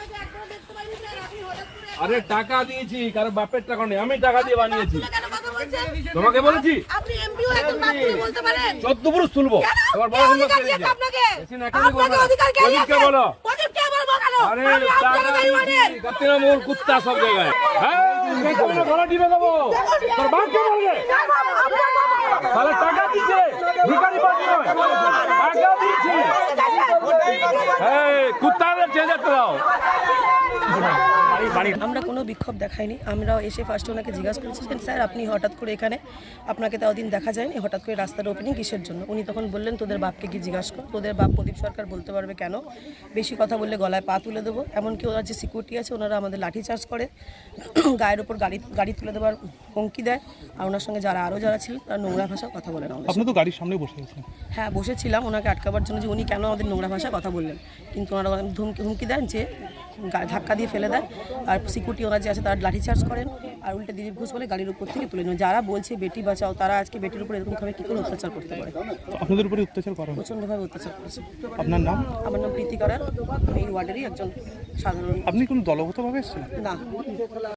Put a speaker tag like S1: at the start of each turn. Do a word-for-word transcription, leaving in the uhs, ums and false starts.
S1: আরে টাকা দিয়েছি, কারণ বাপের টাকা নেই, আমি টাকা দিয়ে বানিয়েছি। তোমাকে বলেছি
S2: আপনি এমপিও একদম বাপ তুলে বলতে পারেন।
S1: চোদ্দ পুরুষ তুলবো, এবার বড় সুন্দর করে দিয়েছে।
S2: আপনাকে
S1: বেশি নাকামি করবে না। প্রদীপকে বলো।
S2: প্রদীপকে বলবো কেন?
S1: আরে টাকা দিয়েছি, তৃণমূল কুত্তা সব জায়গায়। হ্যাঁ, পেছনে গলা টিপে দেবো। তোর বাপকে বলবে। তাহলে টাকা দিচ্ছে, ভিখারি পার্টি নয়, টাকা দিচ্ছে। এই কুত্তাদের চেয়ে যেতে দাও।
S3: আমরা কোনো বিক্ষোভ দেখাইনি। আমরা এসে ফার্স্টে ওনাকে জিজ্ঞাসা করেছি যে স্যার আপনি হঠাৎ করে এখানে, আপনাকে তাও দিন দেখা যায়নি, হঠাৎ করে রাস্তার ওপেনিং কিসের জন্য? উনি তখন বললেন তোদের বাপকে কি জিজ্ঞাসা কর, তোদের বাপ প্রদীপ সরকার বলতে পারবে কেন, বেশি কথা বললে গলায় পা তুলে দেবো। এমনকি ওনার যে সিকিউরিটি আছে ওনারা আমাদের লাঠিচার্জ করে, গায়ের ওপর গাড়ি গাড়ি তুলে দেওয়ার হুমকি দেয়। আর ওনার সঙ্গে যারা আরও যারা ছিলেন তারা নোংরা ভাষায় কথা বলেন।
S4: আপনি তো গাড়ির সামনে বসে আছেন।
S3: হ্যাঁ, বসেছিলাম ওনাকে আটকাবার জন্য যে উনি কেন আমাদের নোংরা ভাষায় কথা বললেন, কিন্তু ওনারা হুমকি হুমকি দেন যে ধাক্কা দিয়ে ফেলে দেয়। আর সিকিউরিটি ওনার যে আছে তারা লাঠিচার্জ করেন, আর উল্টে দিলীপ ঘোষ বলে গাড়ির উপর থেকে তুলে নেন। যারা বলছে বেটি বাঁচাও তারা আজকে বেটির উপর এরকমভাবে কী করে অত্যাচার করতে পারে?
S4: আপনাদের উপরে অত্যাচার করা হয়?
S3: প্রচণ্ডভাবে অত্যাচার করেছে।
S4: আপনার নাম?
S3: আমার নাম প্রীতি করার, এই ওয়ার্ডেরই একজন সাধারণ।
S4: আপনি কোন দলগতভাবে এসেছেন?
S3: না।